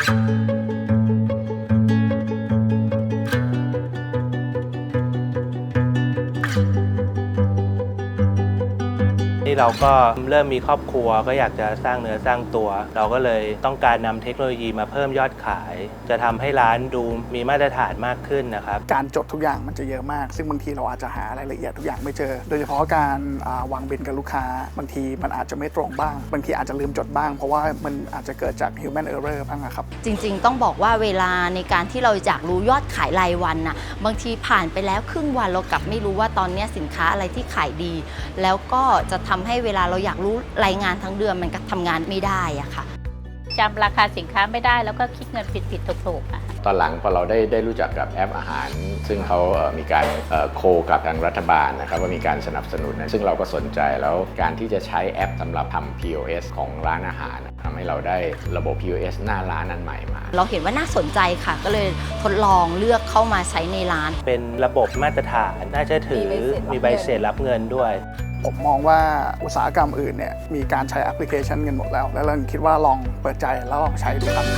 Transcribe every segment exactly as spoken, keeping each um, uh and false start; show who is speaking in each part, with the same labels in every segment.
Speaker 1: ที่เราก็เริ่มมีครอบครัวก็อยากจะสร้างเนื้อสร้างตัวเราก็เลยต้องการนำเทคโนโลยีมาเพิ่มยอดขายจะทำให้ร้านดูมีมาตรฐานมากขึ้นนะครับ
Speaker 2: การจดทุกอย่างมันจะเยอะมากซึ่งบางทีเราอาจจะหารายละเอียดทุกอย่างไม่เจอโดยเฉพาะการวางบินกับลูกค้าบางทีมันอาจจะไม่ตรงบ้างบางทีอาจจะลืมจดบ้างเพราะว่ามันอาจจะเกิดจาก human error บ้างครับ
Speaker 3: จริงๆต้องบอกว่าเวลาในการที่เราอยากรู้ยอดขายรายวันน่ะบางทีผ่านไปแล้วครึ่งวันเรากลับไม่รู้ว่าตอนนี้สินค้าอะไรที่ขายดีแล้วก็จะทำให้เวลาเราอยากรู้รายงานทั้งเดือนมันก็ทำงานไม่ได้อะค่ะ
Speaker 4: จำราคาสินค้าไม่ได้แล้วก็คิดเงินผิดๆถูกๆอะ
Speaker 5: ตอนหลังพอเราได้ได้รู้จักกับแอปอาหารซึ่งเขามีการโคกับทางรัฐบาลนะครับว่ามีการสนับสนุนซึ่งเราก็สนใจแล้วการที่จะใช้แอปสำหรับทำ พี โอ เอส ของร้านอาหารทำให้เราได้ระบบ พี โอ เอส หน้าร้านนั้นใหม่มา
Speaker 3: เราเห็นว่าน่าสนใจค่ะก็เลยทดลองเลือกเข้ามาใช้ในร้าน
Speaker 1: เป็นระบบมาตรฐานน่าเชื่อถือมีใบเสร็จรับเงินด้วย
Speaker 2: ผมมองว่าอุตสาหกรรมอื่นเนี่ยมีการใช้แอปพลิเคชันกันหมดแล้วแล้วเราคิดว่าลองเปิดใจแล้วลองใช้ดูครับ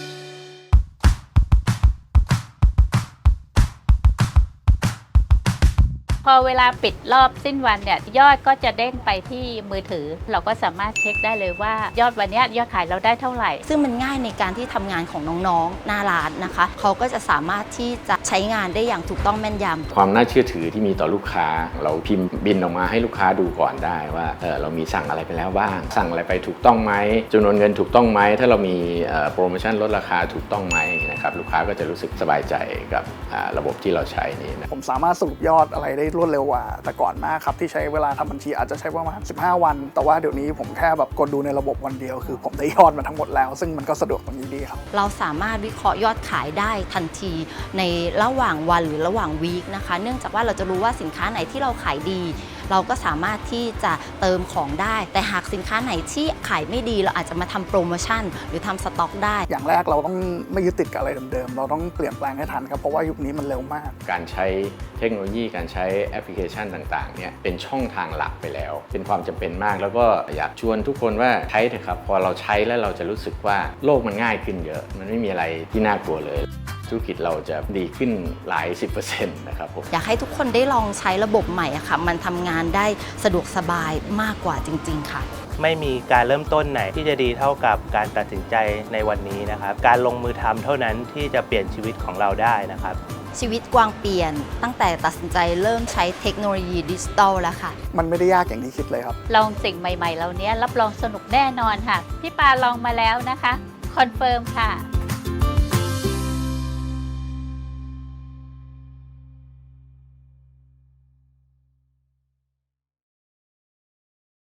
Speaker 4: พอเวลาปิดรอบสิ้นวันเนี่ยยอดก็จะเด้งไปที่มือถือเราก็สามารถเช็คได้เลยว่ายอดวันนี้ยอดขายเราได้เท่าไหร่
Speaker 3: ซึ่งมันง่ายในการที่ทำงานของน้องๆหน้าร้านนะคะเขาก็จะสามารถที่จะใช้งานได้อย่างถูกต้องแม่นยำ
Speaker 5: ความน่าเชื่อถือที่มีต่อลูกค้าเราพิมพ์บินออกมาให้ลูกค้าดูก่อนได้ว่าเออเรามีสั่งอะไรไปแล้วบ้างสั่งอะไรไปถูกต้องไหมจำนวนเงินถูกต้องไหมถ้าเรามีโปรโมชั่นลดราคาถูกต้องไหมนะครับลูกค้าก็จะรู้สึกสบายใจกับระบบที่เราใช้นี้นะ
Speaker 2: ผมสามารถสรุปยอดอะไรได้รวดเร็วกว่าแต่ก่อนมากครับที่ใช้เวลาทำบัญชีอาจจะใช้ประมาณสิบห้าวันแต่ว่าเดี๋ยวนี้ผมแค่แบบกดดูในระบบวันเดียวคือผมได้ยอดมาทั้งหมดแล้วซึ่งมันก็สะดวกตรงนี้ดีครับ
Speaker 3: เราสามารถวิเคราะห์ยอดขายได้ทันทีในระหว่างวันหรือระหว่างวีคนะคะเนื่องจากว่าเราจะรู้ว่าสินค้าไหนที่เราขายดีเราก็สามารถที่จะเติมของได้แต่หากสินค้าไหนที่ขายไม่ดีเราอาจจะมาทำโปรโมชั่นหรือทำสต็อกได้
Speaker 2: อย่างแรกเราต้องไม่ยึดติดกับอะไรเดิมๆเราต้องเปลี่ยนแปลงให้ทันครับเพราะว่ายุคนี้มันเร็วมาก
Speaker 5: การใช้เทคโนโลยีการใช้แอปพลิเคชันต่างๆเนี่ยเป็นช่องทางหลักไปแล้วเป็นความจำเป็นมากแล้วก็อยากชวนทุกคนว่าใช้เถอะครับพอเราใช้แล้วเราจะรู้สึกว่าโลกมันง่ายขึ้นเยอะมันไม่มีอะไรที่น่ากลัวเลยธุรกิจเราจะดีขึ้นหลายสิบเปอร์เซ็นต์นะครับผม
Speaker 3: อยากให้ทุกคนได้ลองใช้ระบบใหม่อะค่ะมันทำงานได้สะดวกสบายมากกว่าจริงๆค่ะ
Speaker 1: ไม่มีการเริ่มต้นไหนที่จะดีเท่ากับการตัดสินใจในวันนี้นะครับการลงมือทำเท่านั้นที่จะเปลี่ยนชีวิตของเราได้นะครับ
Speaker 3: ชีวิตกวางเปลี่ยนตั้งแต่ตัดสินใจเริ่มใช้เทคโนโลยีดิจิตอลแล้วค่ะ
Speaker 2: มันไม่ได้ยากอย่างที่คิดเลยครับ
Speaker 4: ลองสิ่งใหม่ๆเหล่านี้รับรองสนุกแน่นอนค่ะพี่ปาลองมาแล้วนะคะคอนเฟิร์มค่ะ